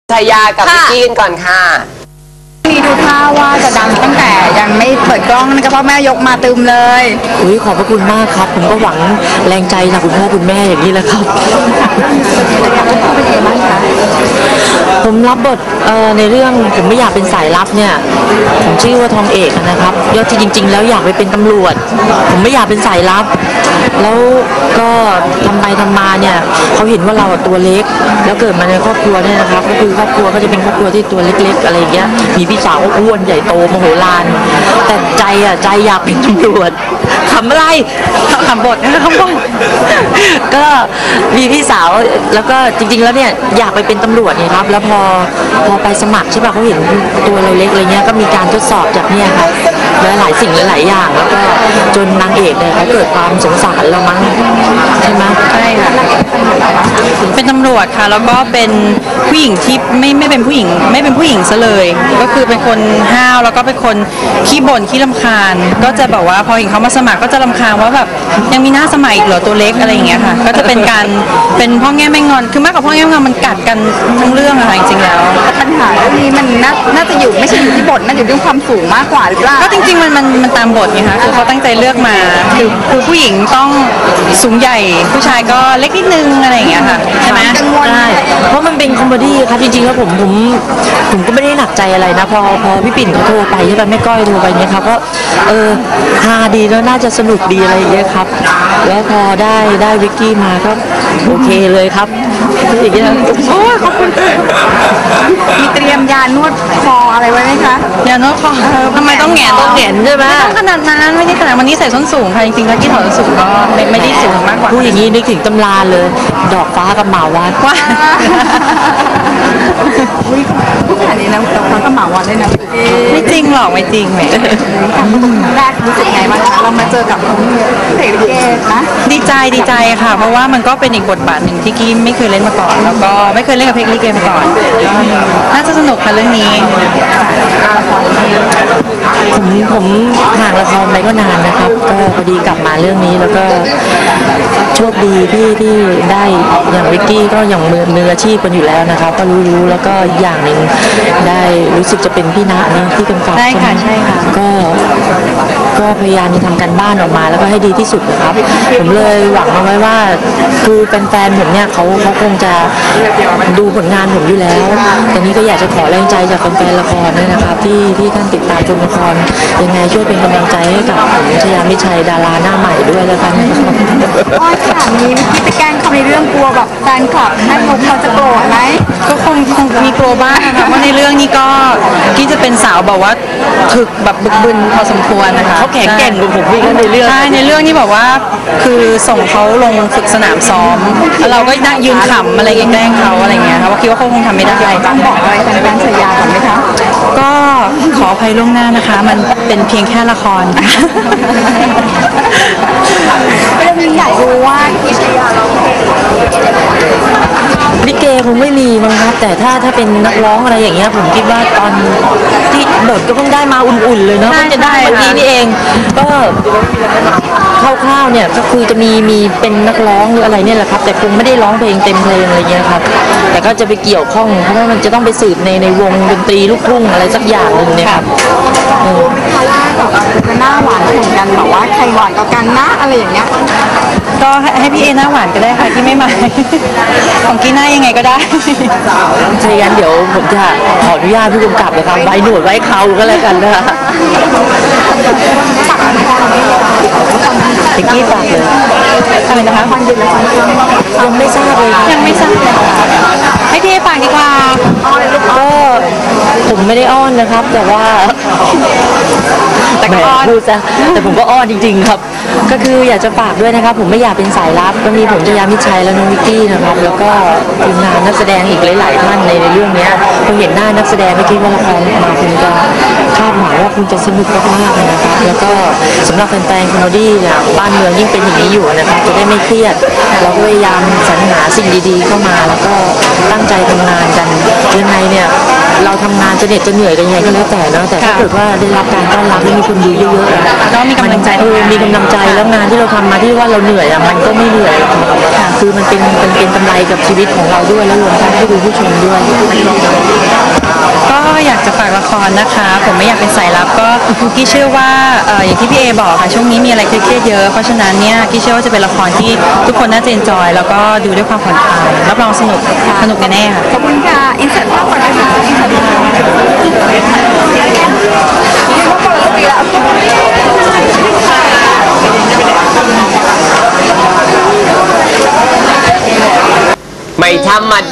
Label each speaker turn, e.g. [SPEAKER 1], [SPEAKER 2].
[SPEAKER 1] ชายากับพี่กินก่อนค่ะ
[SPEAKER 2] มีดูท่าว่าจะดังตั้งแต่ยังไม่เปิดกล้องนะคะพ่อแม่ยกมาตึมเลย
[SPEAKER 3] อุ้ยขอบพระคุณมากครับผมก็หวังแรงใจจากคุณพ่อคุณแม่อย่างนี้แหละครับผมรับบทในเรื่องผมไม่อยากเป็นสายลับเนี่ยผมชื่อว่าทองเอกนะครับยอดที่จริงๆแล้วอยากไปเป็นตำรวจผมไม่อยากเป็นสายลับแล้วก็ทำไปทำมาเนี่ยเขาเห็นว่าเราตัวเล็กแล้วเกิดมาในครอบครัวเนี่ยนะครับก็คือครอบครัวก็จะเป็นครอบครัวที่ตัวเล็กๆอะไรอย่างเงี้ยมีพี่สาวอ้วนใหญ่โตมโหฬารแต่ใจอยากเป็นตำรวจทำอะไรทำบทนะทำบทก็มีพี่สาวแล้วก็จริงๆแล้วเนี่ยอยากไปเป็นตำรวจเนี่ยครับแล้วพอไปสมัครใช่ป่ะเขาเห็นตัวเราเล็กอะไรเงี้ยก็มีการทดสอบจากเนี่ยครับหลายสิ่งหลายอย่างแล้วก็จนนางเอกเนี่ยเขาเกิดความสงสารเรามั้งใช่ไหม
[SPEAKER 4] ใช่ค่ะเป็นตำรวจค่ะแล้วก็เป็นผู้หญิงที่ไม่เป็นผู้หญิงไม่เป็นผู้หญิงซะเลยก็คือเป็นคนห้าวแล้วก็เป็นคนขี้บ่นขี้รำคาญก็จะแบบว่าพอเห็นเขามาสมัครก็จะรำคาญว่าแบบยังมีหน้าสมัยอีกเหรอตัวเล็กอะไรอย่างเงี้ยค่ะก็จะเป็นการเป็นพ่อแง่แม่งอนคือมากกว่าพ่อแง่แม่งอนมันกัดกันทั้งเรื่องอะจริงๆแล้ว
[SPEAKER 2] ปัญหาเรื่องนี้มันน่าจะอยู่ไม่ใช่อยู่ที่บทน่าจะอยู่ที่ความสูงมากกว่าหรือเปล่า
[SPEAKER 4] ก็จริงๆมันตามบทไงคะคือเขาตั้งใจเลือกมาคือผู้หญิงต้องสูงใหญ่ผู้ชายก็เล็กนิดนึงอะไรอย่างเงี้ยค่ะใช่ไหม
[SPEAKER 3] ใช่เพราะมันเป็นคอมเมดี้ครับจริงๆแล้วผมก็ไม่ได้หนักใจอะไรนะพอพี่ปิ่นเขาโทรไปใช่ไหมแม่ก้อยโทรไปเนี่ยครับก็ฮาดีแล้วน่าจะสนุกดีอะไรอย่างเงี้ยครับแล้วพอได้วิกกี้มาก็โอเคเลยครับอย่างเงี้ยโอ้ขอบคุณ
[SPEAKER 2] มีเตรียมยานวดคออะไรไว้ไหมคะ
[SPEAKER 4] ยานวดคอทำไมต้องแหงน
[SPEAKER 3] ใช่ไหม
[SPEAKER 4] ไม่ต้องขนาดนั้นไม่ได้ขนาดวันนี้ใส่ส้นสูงค่ะจริงๆแล้วที่ถอดส้นสูงก็ไม่ได้สูงมากกว่า
[SPEAKER 3] พูดอย่างนี้นึกถึงตำราเลยดอกฟ้ากับหมาวัด
[SPEAKER 4] ว่า
[SPEAKER 2] ผู้ขนาดนี้นะแต่เขาก็หมาวัดได้นะ
[SPEAKER 4] ไม่จริงหรอกไม่จริงแหม
[SPEAKER 2] แรกรู้สึกไงบ้างคะเรามาเจอกับเต๋อเกศนะ
[SPEAKER 4] ดีใจค่ะเพราะว่ามันก็เป็นอีกบทบาทหนึ่งที่กี้ไม่เคยเล่นมาก่อนแล้วก็ไม่เคยเล่นกับเพลงลิเกมาก่อนน่าจะสนุกค่ะเรื่องนี้
[SPEAKER 3] ผมห่างละครไปก็นานนะครับก็พอดีกลับมาเรื่องนี้แล้วก็โชคดีที่ได้อย่างวิกกี้ก็อย่างมืออาชีพกันอยู่แล้วนะครับก็รู้แล้วก็อย่างหนึ่งได้รู้สึกจะเป็นพี่ณนะที่เป็นฝ่าย
[SPEAKER 4] ใช่ค่ะ
[SPEAKER 3] ก็พยายามจะทำการบ้านออกมาแล้วก็ให้ดีที่สุดนะครับผมเลยหวังเอาไว้ว่าคือแฟนๆผมเนี่ยเขาคงจะดูผลงานผมอยู่แล้วแต่นี้ก็อยากจะขอแรงใจจากแฟนๆละครด้วยนะครับที่ท่านติดตามชมละครยังไงช่วยเป็นกำลังใจให้กับผมชยามิชัยดาราหน้าใหม่ด้วยแล้วกัน
[SPEAKER 2] อ้อยขนาดนี้พี่ไปแกล้งเขาในเรื่องกลัวแบบแฟนคลับให้เขาจะโกรธไหม
[SPEAKER 4] ก็คงมีกลัวบ้างนะคะว่าในเรื่องนี้ก็กี้จะเป็นสาวแบบว่าถึกแบบบึกบึนพอสมควรนะคะ
[SPEAKER 3] เขาแข็งแกร่งกว่าผมพี่ในเรื่อง
[SPEAKER 4] ใช่ในเรื่องนี้บอกว่าคือส่งเขาลงฝึกสนามซ้อมแล้วเราก็ยืนขำอะไรแกล้งเขาอะไรเงี้ยค่ะว่าคิดว่าเขาคงทำไม่ได้
[SPEAKER 2] ต้องบอกอะไรแฟนๆชายาก่อนไหมคะ
[SPEAKER 4] ก็ขออภัยล่วงหน้านะคะมันเป็นเพียงแค่ละคร
[SPEAKER 2] เรื่องนี้อยากรู้ว่า
[SPEAKER 3] ลิเกคงไม่มีมั้งครับแต่ถ้าเป็นนักร้องอะไรอย่างเงี้ยผมคิดว่าตอนที่บทก็เพิ่งได้มาอุ่นๆเลยเนาะจะได้เมื่อกี้นี่เองก็คร่าวๆเนี่ยก็คือจะมีเป็นนักร้องหรืออะไรเนี่ยแหละครับแต่คงไม่ได้ร้องเพลงเต็มเพลงอะไรเงี้ยครับแต่ก็จะไปเกี่ยวข้องเพราะว่ามันจะต้องไปสืบในวงดนตรีลูกทุ่งอะไรสักอย่างนึงเนี่ยครับ
[SPEAKER 2] คาร่ากับจะหน้าหวานเหมือนกันแบบว่าใครหวานกับกันนะอะไรอย่างเงี้ย
[SPEAKER 4] ก็ให้พี่เอหน้าหวานก็ได้ค่ะที่ไม่มาของกี้หน้ายังไงก็ได้
[SPEAKER 3] ใช่งั้นเดี๋ยวผมจะขออนุญาตผู้กำกับนะครับไว้หนวดไว้เขาก็แล้วกันนะตะกี้ฝากเลย
[SPEAKER 4] อะไรนะคะ
[SPEAKER 3] ยังไม่ทราบเลย
[SPEAKER 4] ยังไม่ทราบให้พี่เอฝากดีกว่า
[SPEAKER 3] ก็ผมไม่ได้อ้อนนะครับแต่ว่า
[SPEAKER 4] แต่ก็อ้อน
[SPEAKER 3] พูดซะแต่ผมก็อ้อนจริงๆครับก็คืออยากจะฝากด้วยนะครับผมไม่อยากเป็นสายลับก็มีผมชยามิชัยและน้องวิกกี้นะครับแล้วก็ทีมงานนักแสดงอีกหลายๆท่านในเรื่องนี้พอเห็นหน้านักแสดงไม่คิดว่าละครมาคงจะคาดหวังว่าคงจะสนุกมากๆนะครับแล้วก็สำหรับแฟนๆคอมเมดี้เนี่ยบ้านเมืองยิ่งเป็นอย่างนี้อยู่นะครับจะได้ไม่เครียดเราก็พยายามสรรหาสิ่งดีๆเข้ามาแล้วก็ตั้งใจทำงานกันยังไงเนี่ยเราทำงานจะเหน็ดจะเหนื่อยกันยังไงก็แล้วแต่เนาะแต่ถ้าเกิดว่าได้รับการต้อนรับและมีคนดูเยอะๆ
[SPEAKER 4] ก็มีกำลังใจ
[SPEAKER 3] มีกำลังใจแล้วงานที่เราทำมาที่ว่าเราเหนื่อยอะมันก็ไม่เหนื่อยคือมันเป็นกำไรกับชีวิตของเราด้วยแล้วรวมทั้งผู้ดูผู้ชมด้วย
[SPEAKER 4] ฝากละครนะคะ ผมไม่อยากเป็นสายลับก็กี้เชื่อว่าอย่างที่พี่เอบอกค่ะช่วงนี้มีอะไรเครียดๆเยอะเพราะฉะนั้นเนี่ยกี้เชื่อว่าจะเป็นละครที่ทุกคนน่าจะเอนจอยแล้วก็ดูด้วยความผ่อนคลายรับรองสนุกแน่ๆค่ะ
[SPEAKER 2] ขอบคุณค่ะอินเสิร์ตภาพก่อนนะคะอินเสิร์ตภาพปีละ
[SPEAKER 1] ไม่ธรรม